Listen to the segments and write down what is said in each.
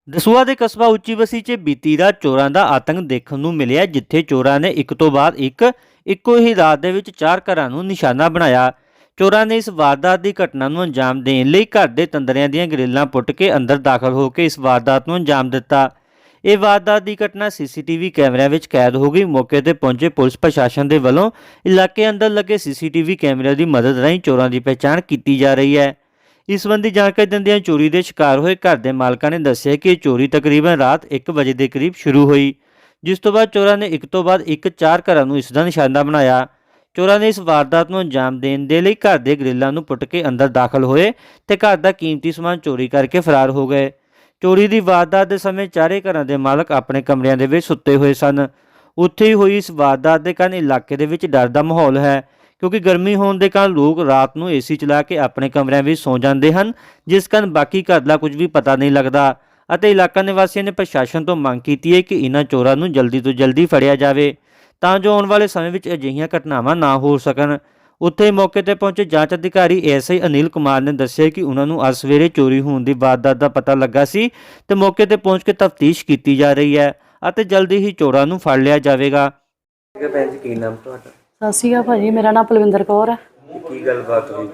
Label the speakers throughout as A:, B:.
A: ਦਸੂਹਾ ਦੇ ਕਸਬਾ ਉੱਚੀ ਬਸੀ 'ਚ ਬੀਤੀ ਰਾਤ ਚੋਰਾਂ ਦਾ ਆਤੰਕ ਦੇਖਣ ਨੂੰ ਮਿਲਿਆ, ਜਿੱਥੇ ਚੋਰਾਂ ਨੇ ਇੱਕ ਤੋਂ ਬਾਅਦ ਇੱਕ ਇੱਕੋ ਹੀ ਰਾਤ ਦੇ ਵਿੱਚ 4 ਘਰਾਂ ਨੂੰ ਨਿਸ਼ਾਨਾ ਬਣਾਇਆ। ਚੋਰਾਂ ਨੇ ਇਸ ਵਾਰਦਾਤ ਦੀ ਘਟਨਾ ਨੂੰ ਅੰਜਾਮ ਦੇਣ ਲਈ ਘਰ ਦੇ ਤੰਦਰਿਆਂ ਦੀਆਂ ਗ੍ਰਿਲਾਂ ਪੁੱਟ ਕੇ ਅੰਦਰ ਦਾਖਲ ਹੋ ਕੇ ਇਸ ਵਾਰਦਾਤ ਨੂੰ ਅੰਜਾਮ ਦਿੱਤਾ। ਇਹ ਵਾਰਦਾਤ ਦੀ ਘਟਨਾ ਸੀਸੀਟੀਵੀ ਕੈਮਰਿਆਂ ਵਿੱਚ ਕੈਦ ਹੋ ਗਈ। ਮੌਕੇ ਤੇ ਪਹੁੰਚੇ ਪੁਲਿਸ ਪ੍ਰਸ਼ਾਸਨ ਦੇ ਵੱਲੋਂ ਇਲਾਕੇ ਅੰਦਰ ਲੱਗੇ ਸੀਸੀਟੀਵੀ ਕੈਮਰਿਆਂ ਦੀ ਮਦਦ ਰਾਹੀਂ ਚੋਰਾਂ ਦੀ ਪਛਾਣ ਕੀਤੀ ਜਾ ਰਹੀ ਹੈ। ਇਸ ਸੰਬੰਧੀ ਜਾਣਕਾਰੀ ਦਿੰਦਿਆਂ ਚੋਰੀ ਦੇ ਸ਼ਿਕਾਰ ਹੋਏ ਘਰ ਦੇ ਮਾਲਕਾਂ ਨੇ ਦੱਸਿਆ ਕਿ ਇਹ ਚੋਰੀ ਤਕਰੀਬਨ ਰਾਤ 1 ਵਜੇ ਦੇ ਕਰੀਬ ਸ਼ੁਰੂ ਹੋਈ, ਜਿਸ ਤੋਂ ਬਾਅਦ ਚੋਰਾਂ ਨੇ ਇੱਕ ਤੋਂ ਬਾਅਦ ਇੱਕ 4 ਘਰਾਂ ਨੂੰ ਇਸ ਦਾ ਨਿਸ਼ਾਨਾ ਬਣਾਇਆ। ਚੋਰਾਂ ਨੇ ਇਸ ਵਾਰਦਾਤ ਨੂੰ ਅੰਜਾਮ ਦੇਣ ਦੇ ਲਈ ਘਰ ਦੇ ਗ੍ਰਿਲਾਂ ਨੂੰ ਪੁੱਟ ਕੇ ਅੰਦਰ ਦਾਖਲ ਹੋਏ ਤੇ ਘਰ ਦਾ ਕੀਮਤੀ ਸਮਾਨ ਚੋਰੀ ਕਰਕੇ ਫਰਾਰ ਹੋ ਗਏ। ਚੋਰੀ ਦੀ ਵਾਰਦਾਤ ਦੇ ਸਮੇਂ ਚਾਰੇ ਘਰਾਂ ਦੇ ਮਾਲਕ ਆਪਣੇ ਕਮਰਿਆਂ ਦੇ ਵਿੱਚ ਸੁੱਤੇ ਹੋਏ ਸਨ। ਉੱਥੇ ਹੀ ਹੋਈ ਇਸ ਵਾਰਦਾਤ ਦੇ ਕਾਰਨ ਇਲਾਕੇ ਦੇ ਵਿੱਚ ਡਰ ਦਾ ਮਾਹੌਲ ਹੈ, ਕਿਉਂਕਿ ਗਰਮੀ ਹੋਣ ਦੇ ਕਾਰਨ ਲੋਕ ਰਾਤ ਨੂੰ ਏਸੀ ਚਲਾ ਕੇ ਆਪਣੇ ਕਮਰਿਆਂ ਵਿੱਚ ਸੌਂ ਜਾਂਦੇ ਹਨ, ਜਿਸ ਕਾਰਨ ਬਾਕੀ ਘਰ ਦਾ ਕੁਝ ਵੀ ਪਤਾ ਨਹੀਂ ਲੱਗਦਾ। ਅਤੇ ਇਲਾਕਾ ਨਿਵਾਸੀਆਂ ਨੇ ਪ੍ਰਸ਼ਾਸਨ ਤੋਂ ਮੰਗ ਕੀਤੀ ਹੈ ਕਿ ਇਹਨਾਂ ਚੋਰਾਂ ਨੂੰ ਜਲਦੀ ਤੋਂ ਜਲਦੀ ਫੜਿਆ ਜਾਵੇ, ਤਾਂ ਜੋ ਆਉਣ ਵਾਲੇ ਸਮੇਂ ਵਿੱਚ ਅਜਿਹੀਆਂ ਘਟਨਾਵਾਂ ਨਾ ਹੋ ਸਕਣ। ਉੱਥੇ ਮੌਕੇ ਤੇ ਪਹੁੰਚੇ ਜਾਂਚ ਅਧਿਕਾਰੀ ਐਸਆਈ ਅਨਿਲ ਕੁਮਾਰ ਨੇ ਦੱਸਿਆ ਕਿ ਉਹਨਾਂ ਨੂੰ ਅੱਜ ਸਵੇਰੇ ਚੋਰੀ ਹੋਣ ਦੀ ਵਾਰਦਾਤ ਦਾ ਪਤਾ ਲੱਗਾ ਸੀ ਤੇ ਮੌਕੇ ਤੇ ਪਹੁੰਚ ਕੇ ਤਫਤੀਸ਼ ਕੀਤੀ ਜਾ ਰਹੀ ਹੈ ਅਤੇ ਜਲਦੀ ਹੀ ਚੋਰਾਂ ਨੂੰ ਫੜ ਲਿਆ ਜਾਵੇਗਾ।
B: ਭੈਣ ਜੀ, ਕੀ ਨਾਮ ਤੁਹਾਡਾ?
C: ਸਤਿ ਸ਼੍ਰੀ ਅਕਾਲ ਭਾਜੀ, ਮੇਰਾ ਨਾਮ ਪਲਵਿੰਦਰ ਕੌਰ ਹੈ।
B: ਕੀ ਗੱਲਬਾਤ ਹੋਈ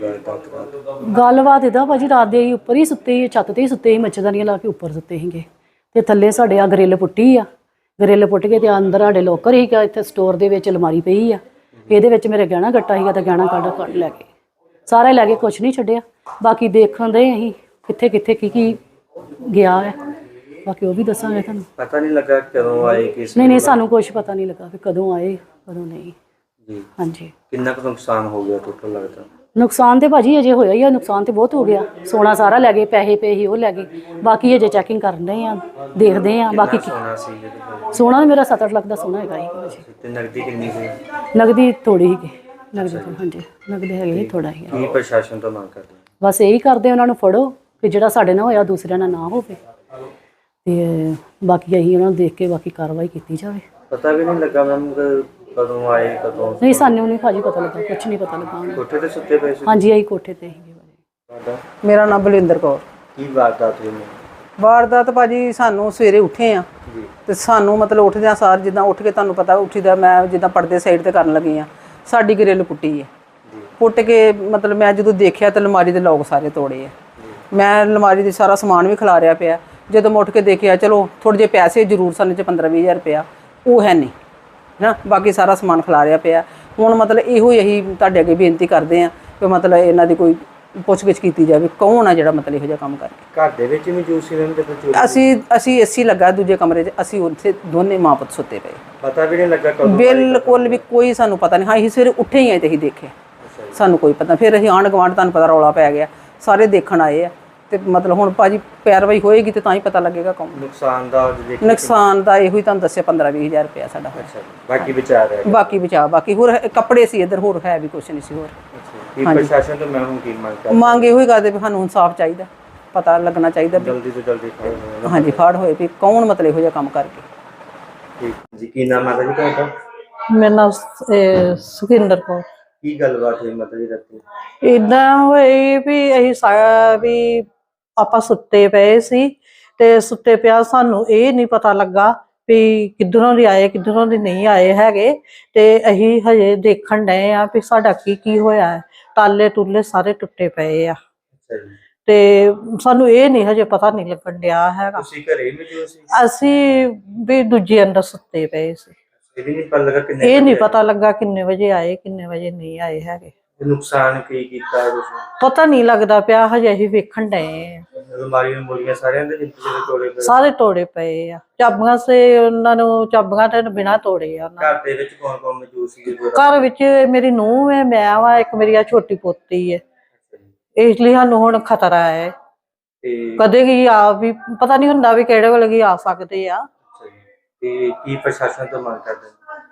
C: ਗੱਲਬਾਤ ਇਹਦਾ ਭਾਜੀ, ਰਾਤ ਦੇ ਅਸੀਂ ਉੱਪਰ ਹੀ ਸੁੱਤੇ ਸੀ, ਛੱਤ ਤੇ ਹੀ ਸੁੱਤੇ ਸੀ, ਮੱਛਰਦਾਨੀਆਂ ਲਾ ਕੇ ਉੱਪਰ ਸੁੱਤੇ ਸੀਗੇ ਤੇ ਥੱਲੇ ਸਾਡੇ ਆ ਗਰਿੱਲ ਪੁੱਟੀ ਆ। ਗਰਿੱਲ ਪੁੱਟ ਕੇ ਤੇ ਅੰਦਰ ਸਾਡੇ ਲੋਕਰ ਸੀਗਾ, ਇੱਥੇ ਸਟੋਰ ਦੇ ਵਿੱਚ ਅਲਮਾਰੀ ਪਈ ਆ, ਇਹਦੇ ਵਿੱਚ ਮੇਰੇ ਗਹਿਣਾ ਗੱਟਾ ਸੀਗਾ ਤੇ ਗਹਿਣਾ ਕੱਢ ਲੈ ਕੇ ਸਾਰਾ ਲੈ ਕੇ ਕੁਛ ਨਹੀਂ ਛੱਡਿਆ। ਬਾਕੀ ਦੇਖਣ ਦੇ ਅਸੀਂ ਕਿੱਥੇ ਕਿੱਥੇ ਕੀ ਗਿਆ ਹੈ, ਬਾਕੀ ਉਹ ਵੀ ਦੱਸਾਂਗੇ ਤੁਹਾਨੂੰ।
B: ਪਤਾ ਨਹੀਂ ਲੱਗਾ ਕਦੋਂ ਆਏ ਕਿਸ
C: ਨਹੀਂ, ਸਾਨੂੰ ਕੁਛ ਪਤਾ ਨਹੀਂ ਲੱਗਾ ਕਿ ਕਦੋਂ ਆਏ ਕਦੋਂ ਨਹੀਂ
B: ਜੀ।
C: ਹਾਂਜੀ,
B: ਕਿੰਨਾ ਕੁ ਨੁਕਸਾਨ ਹੋ ਗਿਆ ਟੋਟਲ ਲੱਗਦਾ?
C: ਨੁਕਸਾਨ ਤੇ ਭਾਜੀ ਅਜੇ ਹੋਇਆ ਹੀ ਆ, ਨੁਕਸਾਨ ਤੇ ਬਹੁਤ ਹੋ ਗਿਆ। ਸੋਨਾ ਸਾਰਾ ਲੈ ਗਏ, ਪੈਸੇ ਪਏ ਉਹ ਲੈ ਗਏ, ਬਾਕੀ ਅਜੇ ਚੈਕਿੰਗ ਕਰਨ ਰਹੇ ਆ, ਦੇਖਦੇ ਆ। ਬਾਕੀ
B: ਸੋਨਾ ਸੀ ਜਿਹੜੇ
C: ਸੋਨਾ ਮੇਰਾ 7-8 ਲੱਖ ਦਾ ਸੋਨਾ ਹੈਗਾ ਹੀ।
B: ਤੇ ਨਗਦੀ ਕਿੰਨੀ ਸੀ?
C: ਨਗਦੀ ਥੋੜੀ ਹੀ, ਨਗਦੀ ਹਾਂਜੀ ਨਗਦੀ ਹੈਗੀ ਹੀ ਥੋੜਾ ਹੀ।
B: ਕੀ ਪ੍ਰਸ਼ਾਸਨ ਤੋਂ ਮੰਗ ਕਰਦੇ?
C: ਬਸ ਇਹੀ ਕਰਦੇ, ਉਹਨਾਂ ਨੂੰ ਫੜੋ ਕਿ ਜਿਹੜਾ ਸਾਡੇ ਨਾਲ ਹੋਇਆ ਦੂਸਰਿਆਂ ਨਾਲ ਨਾ ਹੋਵੇ, ਤੇ ਬਾਕੀ ਅਸੀਂ ਉਹਨਾਂ ਨੂੰ ਦੇਖ ਕੇ ਬਾਕੀ ਕਾਰਵਾਈ ਕੀਤੀ ਜਾਵੇ।
B: ਪਤਾ ਵੀ ਨਹੀਂ ਲੱਗਾ ਮੈਮ ਕਦੋਂ ਆਏ ਕਦੋਂ?
C: ਨਹੀਂ, ਸਾਨੂੰ ਨਹੀਂ ਭਾਜੀ ਪਤਾ ਲੱਗਾ, ਕੁਛ ਨਹੀਂ ਪਤਾ ਲੱਗਾ।
B: ਕੋਠੇ ਤੇ ਸੁੱਤੇ ਪਏ ਸੀ?
C: ਹਾਂਜੀ, ਅਸੀਂ ਕੋਠੇ ਤੇ ਹੀ।
B: ਤੁਹਾਡਾ
D: ਮੇਰਾ ਨਾਮ ਬਲਵਿੰਦਰ ਕੌਰ।
B: ਕੀ ਵਾਰਦਾਤ ਹੋਈ?
D: ਵਾਰਦਾਤ ਭਾਜੀ, ਸਾਨੂੰ ਸਵੇਰੇ ਉੱਠੇ ਆ
B: ਜੀ
D: ਤੇ ਸਾਨੂੰ ਮਤਲਬ ਉੱਠਦਿਆਂ ਸਾਰ ਜਿੱਦਾਂ ਉੱਠ ਕੇ ਤੁਹਾਨੂੰ ਪਤਾ ਉੱਠੀਦਾ, ਮੈਂ ਜਿੱਦਾਂ ਪਰਦੇ ਸਾਈਡ ਤੇ ਕਰਨ ਲੱਗੀ ਆ, ਸਾਡੀ ਗਰਿੱਲ ਪੁੱਟੀ ਹੈ। ਪੁੱਟ ਕੇ ਮਤਲਬ ਮੈਂ ਜਦੋਂ ਦੇਖਿਆ ਤਾਂ ਅਲਮਾਰੀ ਦੇ ਲੋਕ ਸਾਰੇ ਤੋੜੇ ਆ। ਮੈਂ ਅਲਮਾਰੀ ਦੇ ਸਾਰਾ ਸਮਾਨ ਵੀ ਖਿਲਾਰਿਆ ਪਿਆ। ਜਦੋਂ ਮੈਂ ਉੱਠ ਕੇ ਦੇਖਿਆ, ਚਲੋ ਥੋੜ੍ਹੇ ਜਿਹੇ ਪੈਸੇ ਜ਼ਰੂਰ ਸਨ, 15-20 ਹਜ਼ਾਰ ਰੁਪਇਆ ਉਹ ਹੈ ਨਹੀਂ ਨਾ, ਬਾਕੀ ਸਾਰਾ ਸਮਾਨ ਖਿਲਾਰਿਆ ਪਿਆ। ਹੁਣ ਮਤਲਬ ਇਹੋ ਹੀ ਅਸੀਂ ਤੁਹਾਡੇ ਅੱਗੇ ਬੇਨਤੀ ਕਰਦੇ ਹਾਂ ਕਿ ਮਤਲਬ ਇਹਨਾਂ ਦੀ ਕੋਈ ਪੁੱਛਗਿੱਛ ਕੀਤੀ ਜਾਵੇ, ਕੌਣ ਆ ਜਿਹੜਾ ਮਤਲਬ ਇਹੋ ਜਿਹਾ ਕੰਮ ਕਰਕੇ।
B: ਘਰ ਦੇ ਵਿੱਚ ਵੀ ਮੌਜੂਦ ਸੀ ਇਹਨਾਂ ਦੇ?
D: ਅਸੀਂ ਏਸੀ ਲੱਗਾ ਦੂਜੇ ਕਮਰੇ 'ਚ, ਅਸੀਂ ਉੱਥੇ ਦੋਨੇ ਮਾਂ ਪੁੱਤ ਸੁੱਤੇ ਪਏ।
B: ਪਤਾ ਵੀ ਨਹੀਂ ਲੱਗਾ ਕਦੋਂ?
D: ਬਿਲਕੁਲ ਵੀ ਕੋਈ ਸਾਨੂੰ ਪਤਾ ਨਹੀਂ। ਹਾਂ, ਅਸੀਂ ਸਵੇਰੇ ਉੱਠੇ ਹੀ ਆਏ ਤੇ ਅਸੀਂ ਦੇਖਿਆ, ਸਾਨੂੰ ਕੋਈ ਪਤਾ। ਫਿਰ ਅਸੀਂ ਆਂਢ ਗੁਆਂਢ, ਤੁਹਾਨੂੰ ਪਤਾ ਰੌਲਾ ਪੈ ਗਿਆ, ਸਾਰੇ ਦੇਖਣ ਆਏ ਆ ਤੇ ਮਤਲਬ ਹੁਣ ਭਾਜੀ ਪੈਰਵਾਈ ਹੋਏਗੀ ਤੇ ਤਾਂ ਹੀ ਪਤਾ ਲੱਗੇਗਾ ਕੌਣ। ਨੁਕਸਾਨ ਦਾ ਇਹੋ ਹੀ ਤੁਹਾਨੂੰ ਦੱਸਿਆ, 15-20 ਹਜ਼ਾਰ ਰੁਪਇਆ ਸਾਡਾ।
B: ਬਾਕੀ ਬਚਾ ਰਿਹਾ?
D: ਬਾਕੀ ਬਚਾ, ਬਾਕੀ ਹੋਰ ਕੱਪੜੇ ਸੀ ਇੱਧਰ, ਹੋਰ ਹੈ ਵੀ ਕੁਛ ਨਹੀਂ ਸੀ ਹੋਰ।
B: ਕੀ ਪ੍ਰਸ਼ਾਸਨ ਤੋਂ ਮੈਂ ਹੁਣ ਕੀ ਮੰਗ ਕਰਦਾ?
D: ਮੰਗ ਇਹੋ ਹੀ ਕਰਦੇ ਵੀ ਸਾਨੂੰ ਇਨਸਾਫ ਚਾਹੀਦਾ, ਪਤਾ ਲੱਗਣਾ ਚਾਹੀਦਾ
B: ਜਲਦੀ ਤੋਂ ਜਲਦੀ ਫੜ ਹੋਵੇ।
D: ਹਾਂਜੀ, ਫੜ ਹੋਏ ਵੀ ਕੌਣ ਮਤਲਬ ਇਹੋ ਜਿਹਾ ਕੰਮ ਕਰਕੇ।
B: ਠੀਕ ਜੀ। ਕੀ ਨਾਮ ਹੈ ਜੀ ਤੁਹਾਡਾ?
E: ਮੇਰਾ ਨਾਮ ਸੁਖਿੰਦਰ ਕੌਰ।
B: ਕੀ ਗੱਲਬਾਤ ਹੋਈ ਮਾਤਾ ਜੀ ਰਾਤੀ?
E: ਏਦਾਂ ਹੋਈ ਵੀ ਅਸੀਂ ਆਪਾਂ ਸੁੱਤੇ ਪਏ ਸੀ ਤੇ ਸੁੱਤੇ ਪਿਆ ਸਾਨੂੰ ਇਹ ਨਹੀਂ ਪਤਾ ਲੱਗਾ ਵੀ ਕਿੱਧਰੋਂ ਦੀ ਆਏ ਕਿੱਧਰੋਂ ਦੀ ਨਹੀਂ ਆਏ ਹੈਗੇ, ਤੇ ਅਸੀਂ ਹਜੇ ਦੇਖਣ ਡਏ ਆ ਵੀ ਸਾਡਾ ਕੀ ਹੋਇਆ ਹੈ। ਤਾਲੇ ਤੁਲੇ ਸਾਰੇ ਟੁੱਟੇ ਪਏ ਆ ਤੇ ਸਾਨੂੰ ਇਹ ਨਹੀਂ ਹਜੇ ਪਤਾ ਨਹੀਂ ਲੱਗਣ ਡਿਆ ਹੈਗਾ।
B: ਤੁਸੀਂ ਘਰੇ ਮੌਜੂਦ ਸੀ?
E: ਅਸੀਂ ਵੀ ਦੂਜੇ ਅੰਦਰ ਸੁੱਤੇ ਪਏ ਸੀ।
B: ਇਹ ਨਹੀਂ ਪਤਾ ਲੱਗਾ ਕਿੰਨੇ?
E: ਇਹ ਨਹੀਂ ਪਤਾ ਲੱਗਾ ਕਿੰਨੇ ਵਜੇ ਆਏ ਕਿੰਨੇ ਵਜੇ ਨਹੀਂ ਆਏ ਹੈਗੇ।
B: ਨੁਕਸਾਨ ਕੀ ਕੀਤਾ ਤੁਸੀਂ?
E: ਪਤਾ ਨਹੀਂ ਲੱਗਦਾ ਪਿਆ, ਹਜੇ ਅਸੀਂ ਵੇਖਣ ਡਏ ਆ।
B: ਅਲਮਾਰੀਆਂ ਮੋਰੀਆਂ ਸਾਰਿਆਂ ਦੇ ਜਿੱਥੇ ਤੋੜੇ ਪਏ?
E: ਸਾਰੇ ਤੋੜੇ ਪਏ ਆ। ਚਾਬੀਆਂ ਸੇ ਉਹਨਾਂ ਨੂੰ ਚਾਬੀਆਂ ਤੇ ਬਿਨਾਂ ਤੋੜੇ ਆ।
B: ਘਰ ਦੇ ਵਿੱਚ ਕੌਣ ਕੌਣ ਮੌਜੂਦ ਸੀ?
E: ਘਰ ਵਿੱਚ ਮੇਰੀ ਨੂੰਹ ਹੈ, ਮੈਂ ਵਾ, ਇੱਕ ਮੇਰੀ ਆ ਛੋਟੀ ਪੋਤੀ ਹੈ। ਇਸ ਲਈ ਸਾਨੂੰ ਹੁਣ ਖਤਰਾ ਹੈ, ਕਦੇ ਕੀ ਆ ਵੀ ਪਤਾ ਨਹੀਂ ਹੁੰਦਾ ਵੀ ਕਿਹੜੇ ਵੇਲੇ ਕੀ ਆ ਸਕਦੇ ਆ।
B: ਤੇ ਕੀ ਪ੍ਰਸ਼ਾਸਨ ਤੋਂ ਮੰਗ ਕਰਦੇ?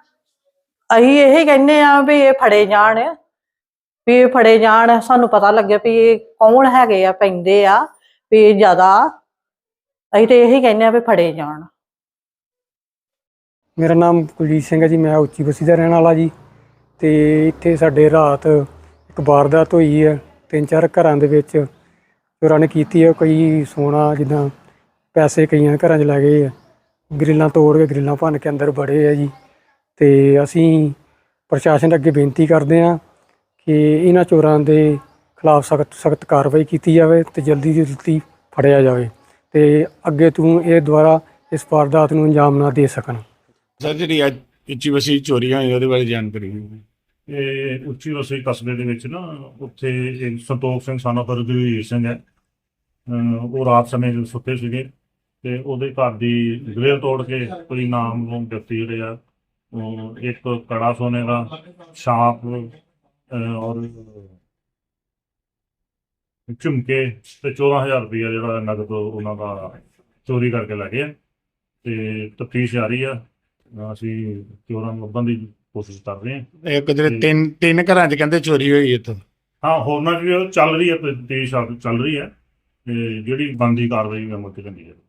E: ਅਸੀਂ ਇਹ ਕਹਿੰਦੇ ਆ ਵੀ ਇਹ ਫੜੇ ਜਾਣ, ਵੀ ਇਹ ਫੜੇ ਜਾਣ, ਸਾਨੂੰ ਪਤਾ ਲੱਗੇ ਵੀ ਇਹ ਕੌਣ ਹੈਗੇ ਆ, ਪੈਂਦੇ ਆ ਵੀ ਜ਼ਿਆਦਾ। ਅਸੀਂ ਤੇ ਇਹੀ ਕਹਿੰਦੇ ਆ ਵੀ ਫੜੇ ਜਾਣ।
F: ਮੇਰਾ ਨਾਮ ਕੁਲਜੀਤ ਸਿੰਘ ਹੈ ਜੀ, ਮੈਂ ਉੱਚੀ ਬਸੀ ਦਾ ਰਹਿਣ ਵਾਲਾ ਜੀ। ਤੇ ਇੱਥੇ ਸਾਡੇ ਰਾਤ ਇੱਕ ਵਾਰਦਾਤ ਹੋਈ ਹੈ, 3-4 ਘਰਾਂ ਦੇ ਵਿੱਚ ਚੋਰਾਂ ਨੇ ਕੀਤੀ ਹੈ। ਕੋਈ ਸੋਨਾ ਜਿੱਦਾਂ ਪੈਸੇ ਕਈਆਂ ਦੇ ਘਰਾਂ 'ਚ ਲੈ ਗਏ ਆ, ਗਰਿੱਲਾਂ ਤੋੜ ਕੇ ਗਰਿੱਲਾਂ ਭੰਨ ਕੇ ਅੰਦਰ ਵੜੇ ਆ ਜੀ। ਤੇ ਅਸੀਂ ਪ੍ਰਸ਼ਾਸਨ ਅੱਗੇ ਬੇਨਤੀ ਕਰਦੇ ਹਾਂ ਕਿ ਇਹਨਾਂ ਚੋਰਾਂ ਦੇ ਖਿਲਾਫ ਸਖਤ ਕਾਰਵਾਈ ਕੀਤੀ ਜਾਵੇ ਤੇ ਜਲਦੀ ਤੋਂ ਜਲਦੀ ਫੜਿਆ ਜਾਵੇ ਤੇ ਅੱਗੇ ਤੋਂ ਇਹ ਦੁਬਾਰਾ ਇਸ ਵਾਰਦਾਤ ਨੂੰ ਅੰਜਾਮ ਨਾ ਦੇ ਸਕਣ।
G: ਸਰ ਜਿਹੜੀ ਅੱਜ ਉੱਚੀ ਵਸੀ ਚੋਰੀਆਂ ਹੋਈ ਉਹਦੇ ਬਾਰੇ ਜਾਣਕਾਰੀ ਦਿਓ।
H: ਇਹ ਉੱਚੀ ਵਸਈ ਕਸਬੇ ਦੇ ਵਿੱਚ ਨਾ ਉੱਥੇ ਇੱਕ ਸੰਤੋਖ ਸਿੰਘ ਸਾਨਾ ਪਰਦਵੀਰ ਸਿੰਘ ਹੈ। ਉਹ ਰਾਤ ਸਮੇਂ ਜਦੋਂ ਸੁੱਤੇ ਸੀਗੇ ਤੇ ਉਹਦੇ ਘਰ ਦੀ ਗ੍ਰਿਲ ਤੋੜ ਕੇ ਕੋਈ ਨਾਮਲੂਮ ਵਿਅਕਤੀ ਜਿਹੜੇ ਆ ਉਹ ਇੱਕ ਕੜਾ ਸੋਨੇ ਦਾ ਛਾਪ ਔਰ ਝੁਮਕੇ ਤੇ 14,000 ਰੁਪਇਆ ਜਿਹੜਾ ਨਗਦ ਉਹਨਾਂ ਦਾ ਚੋਰੀ ਕਰਕੇ ਲੈ ਗਏ ਆ ਤੇ ਤਫਤੀਸ਼ ਜਾਰੀ ਆ। ਅਸੀਂ ਚੋਰਾਂ ਨੂੰ ਲੱਭਣ ਦੀ ਕੋਸ਼ਿਸ਼ ਕਰ ਰਹੇ ਹਾਂ।
G: ਇੱਕ ਜਿਹੜੇ ਤਿੰਨ ਘਰਾਂ 'ਚ ਕਹਿੰਦੇ ਚੋਰੀ ਹੋਈ ਇੱਥੋਂ।
H: ਹਾਂ, ਹੋਰਨਾਂ 'ਚ ਵੀ ਚੱਲ ਰਹੀ ਹੈ, ਤਫਤੀਸ਼ ਚੱਲ ਰਹੀ ਹੈ ਤੇ ਜਿਹੜੀ ਬਣਦੀ ਕਾਰਵਾਈ ਅਮਲ 'ਚ ਲੈਂਦੀ ਹੈ।